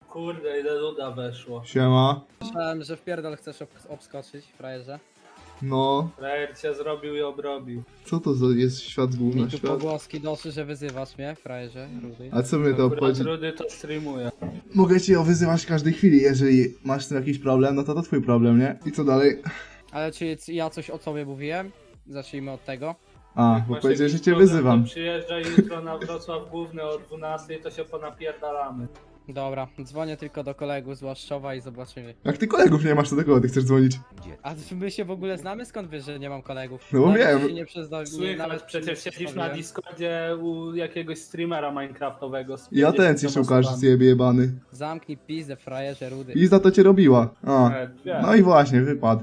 Kurde, ile luda weszło. Siema. Myślałem, że w pierdol chcesz obskoczyć, frajerze. No, Frajer cię zrobił i obrobił. co to za jest świat z Mi gówna tu świat? pogłoski doszły, że wyzywasz mnie, frajerze, rudy. A co mnie to Akurat obchodzi? Rudy to streamuje. Mogę cię wyzywać w każdej chwili, jeżeli masz z tym jakiś problem, no to twój problem, nie? I co dalej? Ale czy ja coś o sobie mówiłem? Zacznijmy od tego. A, bo Masz powiedziałeś, że jakiś cię problem, wyzywam. To przyjeżdżaj jutro na Wrocław Główny o 12, to się ponapierdalamy. Dobra, dzwonię tylko do kolegów z Łaszczowa i zobaczymy. Jak ty kolegów nie masz, to do kogo ty chcesz dzwonić? A my się w ogóle znamy? Skąd wiesz, że nie mam kolegów? No bo Nawet wiem. się nie Słychać, nawet przecież nie siedzisz na przedstawiłem. Discordzie u jakiegoś streamera minecraftowego. z I atencji 50 szukasz, osobami. zjebie jebany. Zamknij pizdę, frajerze, rudy. Pizda to cię robiła. A, Wiem. no i właśnie, wypadł.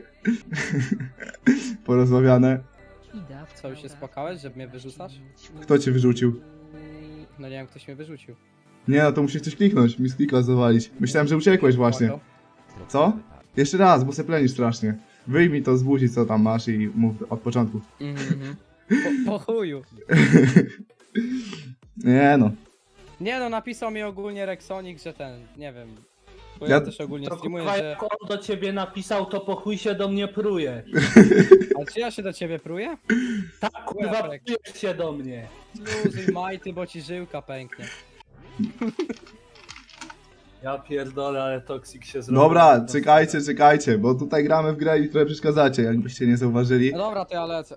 Porozmawiane. Co, już się spłakałeś, że mnie wyrzucasz? Kto cię wyrzucił? No nie wiem, ktoś mnie wyrzucił. Nie no, to musisz coś kliknąć, mi z klika zawalić. Myślałem, że uciekłeś właśnie. Co? Jeszcze raz, bo se plenisz strasznie. Wyjmij to z buzi, co tam masz i mów od początku. Mhm. Po chuju. Nie no. Nie no, napisał mi ogólnie Rexonic, że ten, nie wiem. Bo Ja- ja też ogólnie To streamuję, kurwa, że... jak on do ciebie napisał, to po chuj się do mnie pruje. Ale czy ja się do ciebie pruję? Tak, kurwa, Kurek. prujesz się do mnie. Luzuj majty, bo ci żyłka pęknie. Ja pierdolę, ale toksik się zrobił. Dobra, czekajcie, bo tutaj gramy w grę i trochę przeszkadzacie, jakbyście nie zauważyli. No dobra, to ja lecę.